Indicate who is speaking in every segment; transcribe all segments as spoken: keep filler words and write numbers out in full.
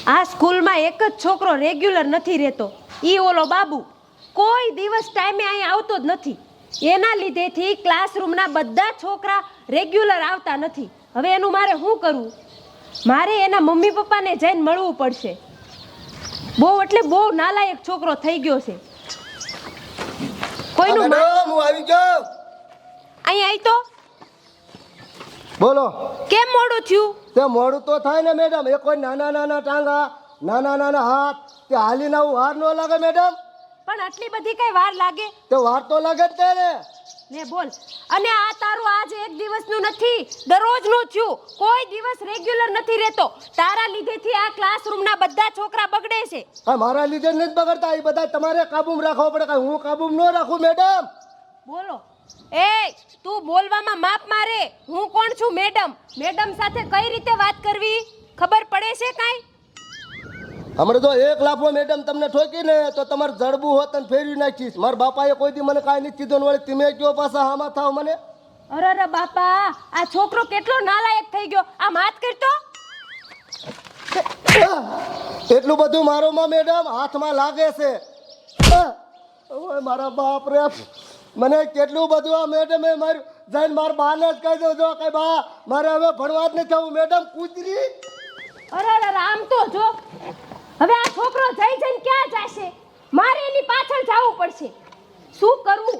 Speaker 1: આ સ્કૂલમાં એક જ છોકરો રેગ્યુલર નથી રહેતો, ઈ ઓલો બાબુ. કોઈ દિવસ ટાઈમે અહીં આવતો જ નથી. એના લીધેથી ક્લાસરૂમના બધા છોકરા રેગ્યુલર આવતા નથી. હવે એનું મારે શું કરવું? મારે એના મમ્મી પપ્પાને જઈને મળવું પડશે. બહુ એટલે બહુ નાલાયક છોકરો થઈ ગયો છે. કોઈનું
Speaker 2: મેડમ હું આવી ગયો.
Speaker 1: અહીં આવી તો
Speaker 2: બોલો.
Speaker 1: કેમ મોડું થયું?
Speaker 2: તે મોડું તો થાય ને મેડમ. એ કોઈ નાના નાના ટાંગા, નાના નાના હાથ, તે હાલીને આવું વાર ન લાગે મેડમ?
Speaker 1: પણ આટલી બધી કઈ વાર લાગે?
Speaker 2: તે વાર તો લાગે જ તે ને.
Speaker 1: ને બોલ. અને આ તારું આજ એક દિવસનું નથી, દરરોજનું થયું. કોઈ દિવસ રેગ્યુલર નથી રહેતો. તારા લીધેથી આ ક્લાસરૂમના બધા છોકરા બગડે છે.
Speaker 2: હા, મારા લીધે નથી બગડતા. એ બધા તમારે કાબૂમાં રાખવા પડે. કાંઈ હું કાબૂમાં ન રાખું મેડમ.
Speaker 1: બોલો. એ તું બોલવામાં માપ મારે. હું કોણ છું? મેડમ. મેડમ સાથે કઈ રીતે વાત કરવી ખબર પડે છે કાંઈ?
Speaker 2: હમણાં તો એક લાફો મેડમ તમને ઠોકી ને તો તમારે જડબું હોત અને ફેરવી નાખીશ. મારા બાપાએ કોઈ દી મને કાંઈ નથી કીધું. વળી તમે કયો પાછા હામાં થાવ મને.
Speaker 1: અરે અરે બાપા, આ છોકરો કેટલો નાલાયક થઈ ગયો. આ માત કરતો.
Speaker 2: એટલું બધું મારો માં મેડમ હાથમાં લાગે છે. ઓય મારા બાપ રે, મને કેટલું બધું આ મેડમે માર્યું. જઈને મારા બાને જ કહી દો, જો કઈ બા મારે હવે ભણવા જ નથી થવું મેડમ. કૂતરી.
Speaker 1: અરે અરે આમ તો જો. હવે આ છોકરો જઈ જઈને ક્યાં જશે? મારે એની પાછળ જવું પડશે. શું કરવું?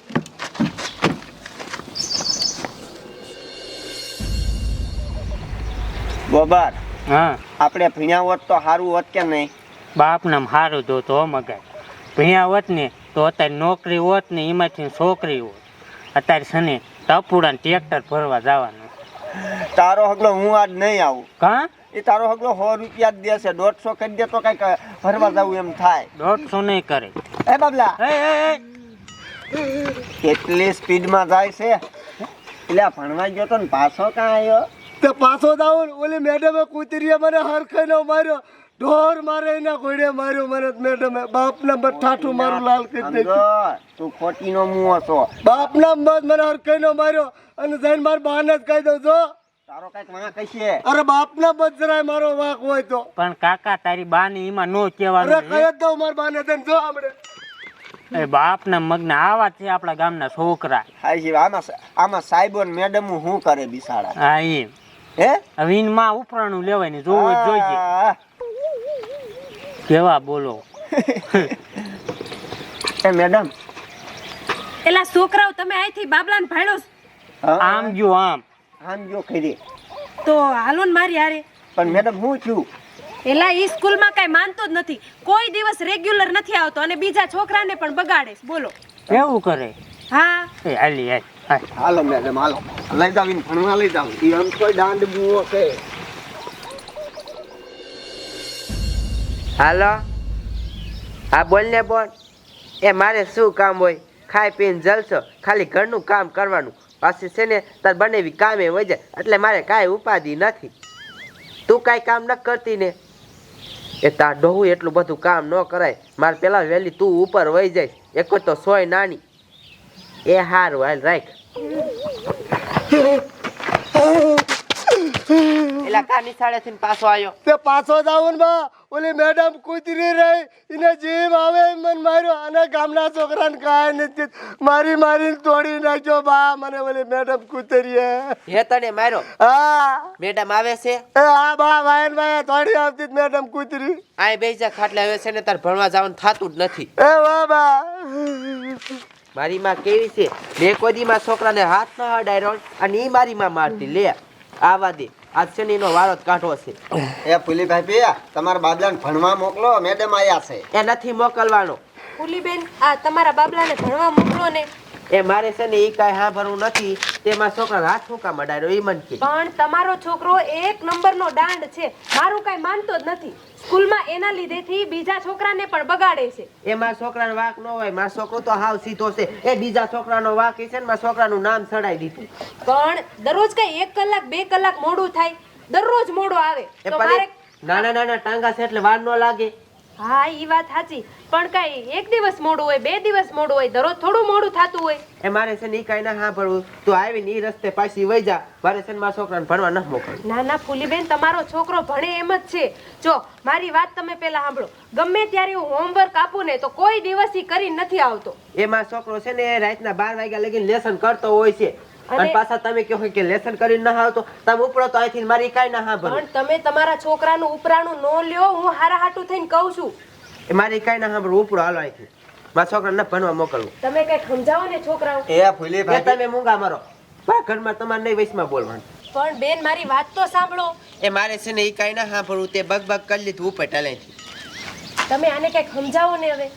Speaker 3: ગોબર,
Speaker 4: હા
Speaker 3: આપણે ભણ્યા હોત તો સારું હોત કે નહીં?
Speaker 4: બાપ નામ સારું જો તો મગાય ભણ્યા હોત ને તો અત્યારે નોકરી હોત ને એમાંથી છોકરી હોત. અત્યારે છે ને ટપુડા ટ્રેક્ટર ભરવા જવાનું.
Speaker 3: તારો હગલો હું આજ નહીં આવું.
Speaker 4: કા
Speaker 3: એ તારો હગલો સો રૂપિયા જ દેશે. દોઢસો કરી દે તો કઈક ભરવા જવું એમ થાય.
Speaker 4: દોઢસો નહીં કરે.
Speaker 3: એ બાબલા,
Speaker 4: એ એ એ
Speaker 3: કેટલી સ્પીડમાં જાય છે. એટલે ભણવા ગયો તો ને પાછો કાં આવ્યો?
Speaker 2: તે પાછો જાવ. ઓલી મેડમે કૂતરીએ મને હરખાઈનો માર્યો. ઢોર મારે એના ઘોડે માર્યો મને મેડમે. બાપના બસ ઠાઠું મારું લાલ કરી
Speaker 3: સમજો,
Speaker 2: નાખ્યું.
Speaker 3: તું ખોટીનો મુઓ છો.
Speaker 2: બાપના બસ મને હરખાઈનો માર્યો અને જઈને મારા બાને જ કહી દઉં જો.
Speaker 3: તારો કઈક વાંક હશે.
Speaker 2: અરે બાપના બસ જરાય મારો વાંક હોય તો.
Speaker 4: પણ કાકા તારી બાને એમાં નો
Speaker 2: અરે
Speaker 4: કહેવાનું.
Speaker 2: કહી જ દઉં મારા બાને જઈને જો આપણે.
Speaker 4: એ બાપના મગના આવા છે આપણા ગામના છોકરા.
Speaker 3: હા જી, આમાં આમાં સાહેબો ને મેડમ શું કરે બિસાડા?
Speaker 4: હા એમ.
Speaker 3: હે
Speaker 4: હવે એમાં ઉપરાણું લેવાય ને જોવું જ જોઈએ.
Speaker 3: આ,
Speaker 4: કેવા બોલો.
Speaker 3: એ મેડમ,
Speaker 1: એલા છોકરાઓ તમે અહીંથી બાબલાને ભાડ્યો છો?
Speaker 4: આમ જો આમ
Speaker 3: આમ જો ખરી.
Speaker 1: તો હાલો ને મારી હારે.
Speaker 3: પણ મેડમ હું છું?
Speaker 1: એલા ઈ સ્કૂલમાં કઈ માનતો જ નથી. કોઈ દિવસ રેગ્યુલર નથી આવતો અને બીજા છોકરાને પણ બગાડે છે. બોલો.
Speaker 4: એવું કરે.
Speaker 1: હા
Speaker 4: એ હાલી હાલ હાલ.
Speaker 3: હાલો મેડમ હાલો, લઈ જાવ ભણવા લઈ જાવ. એ આમ કોઈ દાંડ બુઓ કે.
Speaker 5: હાલો, હા બોલ ને બોલ. એ મારે શું કામ હોય? ખાઈ પીને જલસો, ખાલી ઘરનું કામ કરવાનું. પાછી છે ને તાર બનેવી કામે હોય જાય એટલે મારે કાંઈ ઉપાધિ નથી. તું કાંઈ કામ ન કરતી ને. એ તાર ડોહું એટલું બધું કામ ન કરાય. મારે પેલા વહેલી તું ઉપર વહી જાય. એક તો સોય નાની. એ હારું હાલ રાખ. એલા કા નિશાળેથી પાછો આવ્યો?
Speaker 2: તે પાછો જાવ ને બા. ઓલી મેડમ કૂતરી રહી એને જીવ આવે એમ મને માર્યો. અને ગામના છોકરાને કાંઈ નથી મારી મારીને તોડી નાખ્યો બા મને ઓલી મેડમ કૂતરીએ.
Speaker 5: હે તને માર્યો?
Speaker 2: હા
Speaker 5: મેડમ આવે છે?
Speaker 2: એ હા બા, વાયન વાય તોડી આવતી જ મેડમ કૂતરી.
Speaker 5: આય બેજા ખાટલે હવે છે ને તાર ભણવા જવાનું થાતું જ નથી.
Speaker 2: એ વાહ બા.
Speaker 5: મારી માં કેવી છે? મેં કોઈ દી મારા છોકરાને હાથ ન અડાડ્યો અને ઈ મારી માં મારતી. લે આવા દે, આજ શનિનો વારો જ કાઢવો છે.
Speaker 3: એ પુલીભાઈ પિયા, તમારા બાબલાને ભણવા મોકલો. મેડમ આયા છે.
Speaker 5: એ નથી મોકલવાનો.
Speaker 1: ફૂલીબેન, આ તમારા બાબલાને ભણવા મોકલો ને.
Speaker 5: એ મારે છે ને ઈ કાંઈ હાંભળવું નથી. તે મારા છોકરાને હાથ મૂકા મડાડ્યો ઈ મન કે.
Speaker 1: પણ તમારો છોકરો એક નંબરનો દાંડ છે. મારું કઈ માનતો જ નથી. સ્કૂલમાં એના લીધેથી બીજા છોકરાને પણ બગાડે છે.
Speaker 5: એ મારા છોકરાનો વાંક ન હોય. મારો છોકરો તો હાવ સીધો છે. એ બીજા છોકરાનો વાંક છે ને મારા છોકરાનું નામ ચડાઈ દીધું.
Speaker 1: પણ દરરોજ કઈ એક કલાક બે કલાક મોડું થાય? દરરોજ મોડો આવે
Speaker 5: એ
Speaker 1: તો
Speaker 5: પણ
Speaker 1: મારે
Speaker 5: નાના નાના ટાંગા છે એટલે વાર ન લાગે.
Speaker 1: હા ઈ વાત સાચી, પણ કઈ એક દિવસ મોડું હોય, બે દિવસ મોડું હોય, દરરોજ થોડું મોડું થતું હોય.
Speaker 5: એ મારે છે ને ઈ કાંઈ ના સાંભળવું. તું આવીને ઈ રસ્તે પાછી વઈ જા. મારે છે ને મારા છોકરાને ભણવા ન મોકલવું.
Speaker 1: ના ના ફૂલીબેન, તમારો છોકરો ભણે એમ જ છે. જો મારી વાત તમે પહેલા સાંભળો. ગમે ત્યારે હું હોમવર્ક આપું ને તો કોઈ દિવસ ઈ કરી નથી આવતો.
Speaker 5: એ મારો છોકરો છે ને રાતના બાર વાગ્યા લગીને લેસન કરતો હોય છે. અને પાછા તમે કહો કે લેસન કરીને ના આવતો, તમે ઉપડો તો અહીંથી મારી કાંઈ ના સાંભળવું.
Speaker 1: પણ તમે તમારા છોકરાનું ઉપરાણું ન લ્યો, હું હારા હાટું થઈને કહું છું.
Speaker 5: એ મારી કાંઈ ના સાંભળવું. ઉપડો હાલો અહીંથી. મારા છોકરાને ભણવા મોકલવું.
Speaker 1: તમે કઈ સમજાવો ને છોકરાઓ.
Speaker 3: એ ફૂલી
Speaker 5: એ
Speaker 3: ભાઈ
Speaker 5: તમે મૂંગા મારો. મારા ઘરમાં તમારે નહીં વૈશમાં બોલવાનું.
Speaker 1: પણ બેન મારી વાત તો સાંભળો.
Speaker 5: એ મારે છે ને ઈ કાંઈ ના સાંભળવું. તે બગ બગ કરી લીધું ઉપર ટાલેથી.
Speaker 1: તમે આને કઈક સમજાવો ને હવે.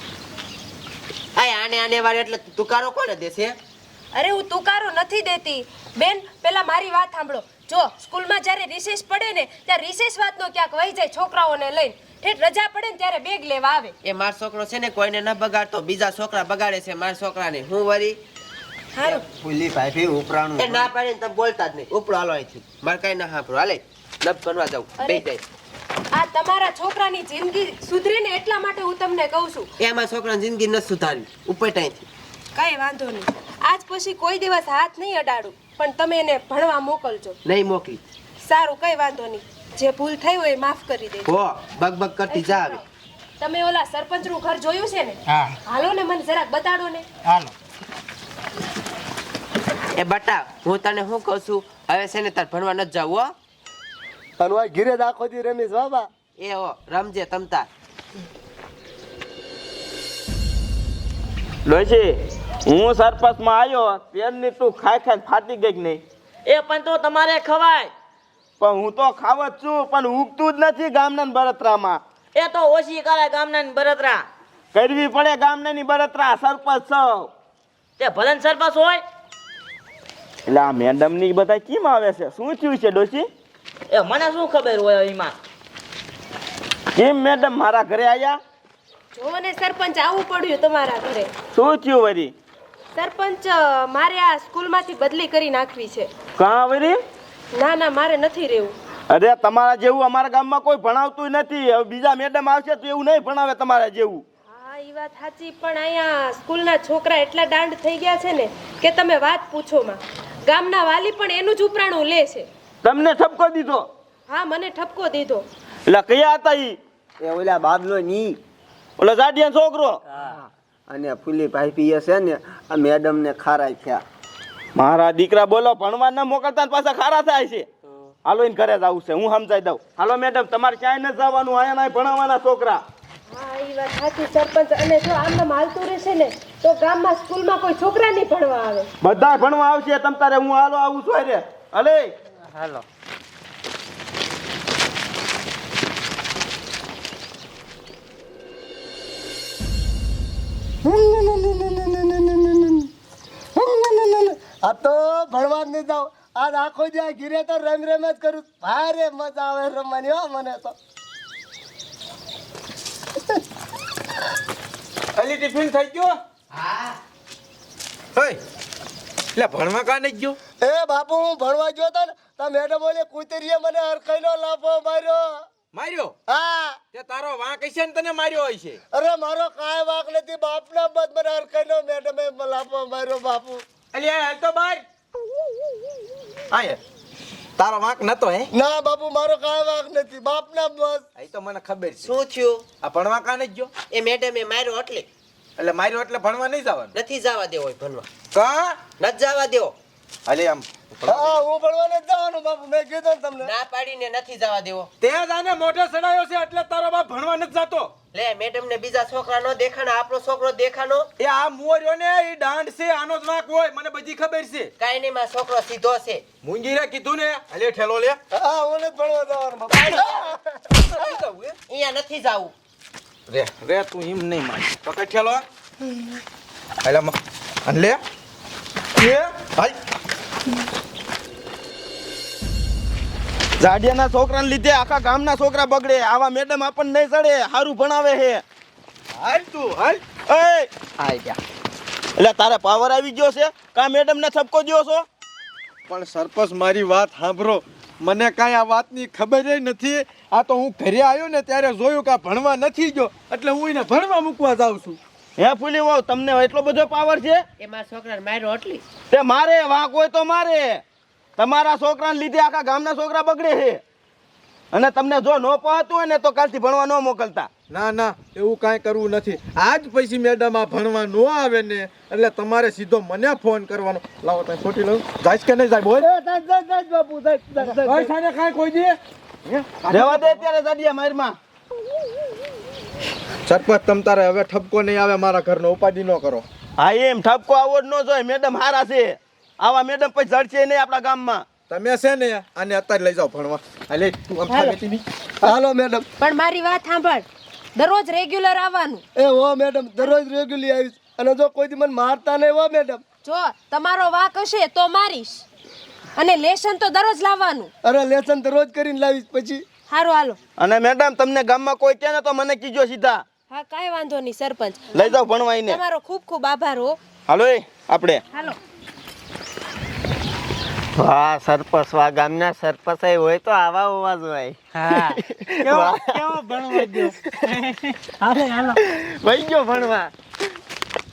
Speaker 5: આ આને આને વારે એટલે તુકારો કોને દેશે?
Speaker 1: અરે હું તુકારો નથી દેતી બેન, પેલા મારી વાત સાંભળો. જો સ્કૂલમાં જ્યારે રિસેસ પડે ને ત્યારે રિસેસ વાતનો ક્યાંક વહી જાય છોકરાઓને લઈને. ઠેઠ રજા પડે ને ત્યારે બેગ લેવા આવે.
Speaker 5: એ મારો છોકરો છે ને કોઈને ન બગાડતો, બીજા છોકરા બગાડે છે મારા છોકરાને. હું વરી
Speaker 1: હારું
Speaker 3: ફૂલી ભાઈ ઉપરાણું
Speaker 5: એ ના પાડીને તમે બોલતા જ નહીં. ઉપડો હાલો અહીંથી. મારે કાંઈ ના સાંભળો. હાલે લપ બનવા જાઉં. બે જાય.
Speaker 1: આ તમારા છોકરાની જિંદગી સુધરે ને એટલા માટે હું તમને કહું છું.
Speaker 5: એ મારા છોકરાની જિંદગી ન સુધારવી. ઉપર ટાઈથી
Speaker 1: કઈ વાંધો નહીં, આજ પછી કોઈ દિવસ હાથ નહીં અડાડું, પણ તમે એને ભણવા મોકલજો.
Speaker 5: નહીં મોકલી.
Speaker 1: સારું, કઈ વાંધો નહીં. જે ભૂલ થઈ હોય એ માફ કરી દેજો.
Speaker 5: હો બગ બગ કરતી જા આવે.
Speaker 1: તમે ઓલા સરપંચનું ઘર જોયું છે ને?
Speaker 4: હા
Speaker 1: હાલો ને મને જરાક બતાડો ને.
Speaker 4: હાલો.
Speaker 5: એ બટા હું તને શું કહું છું, હવે છે ને તાર ભણવા નથી જાવ હો.
Speaker 2: અને ઘીરે દાખો દી રમીશ બાબા.
Speaker 5: એ હો રમજે તમતા.
Speaker 6: ડોશી, હું સરપંચમાં આવ્યો ત્યારની તું ખાઈ ખાઈ ફાટી ગઈ કે નહીં?
Speaker 7: એ પણ તો તમારે ખવાય.
Speaker 6: પણ હું તો ખાવ જ છું, પણ ઉગતું જ નથી ગામના બળતરામાં.
Speaker 7: એ તો ઓછી કરે ગામના બળતરા.
Speaker 6: કરવી પડે ગામનાની બળતરા. સરપંચ છો
Speaker 7: તે ભલન સરપંચ હોય.
Speaker 6: એટલે આ મેડમની બધા કેમ આવે છે? શું થયું છે ડોશી?
Speaker 7: એ મને શું ખબર હોય એમાં.
Speaker 6: કેમ મેડમ મારા ઘરે આવ્યા?
Speaker 1: જો ને સરપંચ આવું પડ્યું તમારા ઘરે.
Speaker 6: શું થયું વરી?
Speaker 1: સરપંચ મારે આ સ્કૂલમાંથી બદલી કરી નાખવી છે.
Speaker 6: કાં વરી?
Speaker 1: ના ના મારે નથી રહેવું.
Speaker 6: અરે તમારા જેવું અમારા ગામમાં કોઈ ભણાવતું નથી. હવે બીજા મેડમ આવશે તો એવું નહીં ભણાવે તમારા જેવું.
Speaker 1: હા એ વાત સાચી, પણ અહીંયા સ્કૂલના છોકરા એટલા દાંડ થઈ ગયા છે ને કે તમે વાત પૂછો માં. ગામના વાલી પણ એનું જ ઉપરાણું લે છે.
Speaker 6: તમને ઠપકો દીધો?
Speaker 1: હા મને ઠપકો દીધો.
Speaker 6: એટલે કયા હતા ઈ?
Speaker 3: એ ઓલા બાબલો ની
Speaker 6: ઓલો જાડિયા છોકરો.
Speaker 3: અને ફૂલી ભાઈ પીએ છે ને આ મેડમ ને ખારાઈ થયા.
Speaker 6: મારા દીકરા બોલો ભણવા ન મોકલતા ને પાછા ખારા થાય છે. હાલો એને ઘરે જવું છે, હું સમજાઈ દઉં. હાલો મેડમ તમારે ક્યાંય ન જવાનું, આયા ના ભણાવવાના છોકરા.
Speaker 1: હા એ વાત સાચી સરપંચ. અને જો આમ હાલતું રહેશે ને તો ગામમાં સ્કૂલમાં કોઈ છોકરા નહીં ભણવા આવે.
Speaker 6: બધા ભણવા આવશે તમ તારે. હું હાલો આવું છું રે. હલે
Speaker 4: હાલો.
Speaker 2: આ તો ભણવા જ નહીં જાવ. આજ આખો જાય ઘીરે તો રમ રમ જ કરું. ભારે મજા આવે રમવાની હો મને તો.
Speaker 8: અલી ટિફિન થઈ ગયો? હા. ઓય એટલે ભણવા કા નહીં ગયો?
Speaker 2: એ બાપુ હું ભણવા ગયો તો ને તો મેડમ બોલે કુતરીએ મને હરખાઈનો લાફો માર્યો.
Speaker 8: માર્યો?
Speaker 2: હા.
Speaker 8: તે તારો વાંક હશે ને તને માર્યો હશે.
Speaker 2: અરે મારો કાંઈ વાંક નથી. બાપના બદ મને હરખાઈનો મેડમે લાફો માર્યો બાપુ.
Speaker 8: અલી આ હાલ તો બાર. આય તારો વાંક નતો હે?
Speaker 2: ના બાપુ મારો કાંઈ વાંક નથી. બાપના બસ.
Speaker 8: આ તો મને ખબર છે.
Speaker 5: શું થયું?
Speaker 8: આ ભણવા કા નહીં ગયો?
Speaker 5: એ મેડમે માર્યો એટલે
Speaker 8: એટલે માર્યો એટલે ભણવા નહીં જવાનું?
Speaker 5: નથી જવા દેવો હોય ભણવા.
Speaker 8: કા
Speaker 5: નથી જવા દેવો.
Speaker 8: અલી આમ
Speaker 2: હા હું ભણવા નથી જવાનું બાપુ. મેં કીધું ને તમને.
Speaker 5: ના પાડીને નથી જવા દેવો.
Speaker 8: તે જ આને મોઢે સડાયો છે એટલે તારો બાપ ભણવા નથી જતો.
Speaker 5: લે મેડમ ને બીજા છોકરા નો દેખાનો, આપણો છોકરો દેખાનો.
Speaker 8: એ આ મોર્યો ને એ દાંડ છે, આનો જ વાંક હોય. મને બધી ખબર છે.
Speaker 5: કાઈ નહીં, માં છોકરો સીધો છે.
Speaker 8: મુંગીરે કીધું ને અલે ઠેલો લે.
Speaker 2: હા હું નથી ભણવા જવાનું બાપુ.
Speaker 5: અહીંયા નથી જાવું.
Speaker 8: રે રે તું એમ નહીં માન તો કઈ ઠેલો અલે અન લે એ હાલ.
Speaker 6: જાડિયાના છોકરાને લીધે આખા ગામના છોકરા બગડે. આવા મેડમ આપણને નહીં ચડે. સારું ભણાવે છે.
Speaker 8: હાલ તું હાલ.
Speaker 6: એ
Speaker 8: આઈ જા.
Speaker 6: એટલે તારે પાવર આવી ગયો છે કા મેડમ ને ઠપકો દ્યો છો?
Speaker 8: પણ સરપંચ મારી વાત સાંભળો. મને કાંઈ આ વાતની ખબર ય નથી. આ તો હું ઘરે આવ્યો ને ત્યારે જોયું કે આ ભણવા નથી ગયો એટલે હું એને ભણવા મૂકવા જાઉં છું.
Speaker 6: હે ફૂલી વાવ તમને એટલો બધો પાવર છે?
Speaker 5: એ મારા છોકરાને માર્યો એટલી.
Speaker 6: તે મારે વાંક હોય તો મારે. તમારા છોકરાને લીધે આખા ગામના છોકરા બગડે છે. અને તમને જો ન પહોંચતું હોય ને તો કાલથી ભણવા ન મોકલતા.
Speaker 8: ના ના એવું કાંઈ કરવું નથી. આજ પછી મેડમ આ ભણવા ન આવે ને એટલે તમારે સીધો મને ફોન કરવાનો. લાવો તમે ખોટી લઉં જાય કે નહીં જાય બોલ.
Speaker 2: એ જાય જાય જાય બાપુ જાય જાય જાય.
Speaker 8: ભાઈ સાને કાંઈ કોઈ દે
Speaker 6: રહેવા દે અત્યારે સાડિયા મારમાં.
Speaker 8: સરપંચ તમ તારે હવે ઠપકો નહીં આવે મારા ઘરનો ઉપાધિ ન કરો.
Speaker 6: હા એમ ઠપકો આવો જ ન જોઈએ. મેડમ હારા છે. આવા મેડમ પછી જડશે નહીં આપણા ગામમાં.
Speaker 8: તમે છે ને આને અત્યારે લઈ જાઓ ભણવા. હાલે તું આમ
Speaker 1: હાલો.
Speaker 8: થાકી નહીં.
Speaker 2: હાલો મેડમ.
Speaker 1: પણ મારી વાત સાંભળ, દરરોજ રેગ્યુલર આવવાનું.
Speaker 2: એ હો મેડમ દરરોજ રેગ્યુલી આવીશ અને જો કોઈ દી મને મારતા નહીં હો મેડમ.
Speaker 1: જો તમારો વાક હશે તો મારીશ, અને લેશન તો દરરોજ લાવવાનું.
Speaker 2: અરે લેસન તો રોજ કરીને લાવીશ પછી.
Speaker 1: સારું હાલો.
Speaker 6: અને મેડમ તમને ગામમાં કોઈ કહે ને તો મને કીજો સીધા.
Speaker 1: હા કાંઈ વાંધો નહીં સરપંચ.
Speaker 6: લઈ જાઓ ભણવા એને.
Speaker 1: તમારો ખૂબ ખૂબ આભાર હો.
Speaker 6: હાલો એ આપણે
Speaker 1: હાલો.
Speaker 3: વાહ સરપંચ વાહ ગામના સરપંચ હોય તો આવા હોવા જોઈએ.
Speaker 4: હા કેવો કેવો ભણવા દો. હાલે હાલો
Speaker 3: વહી ગયો ભણવા.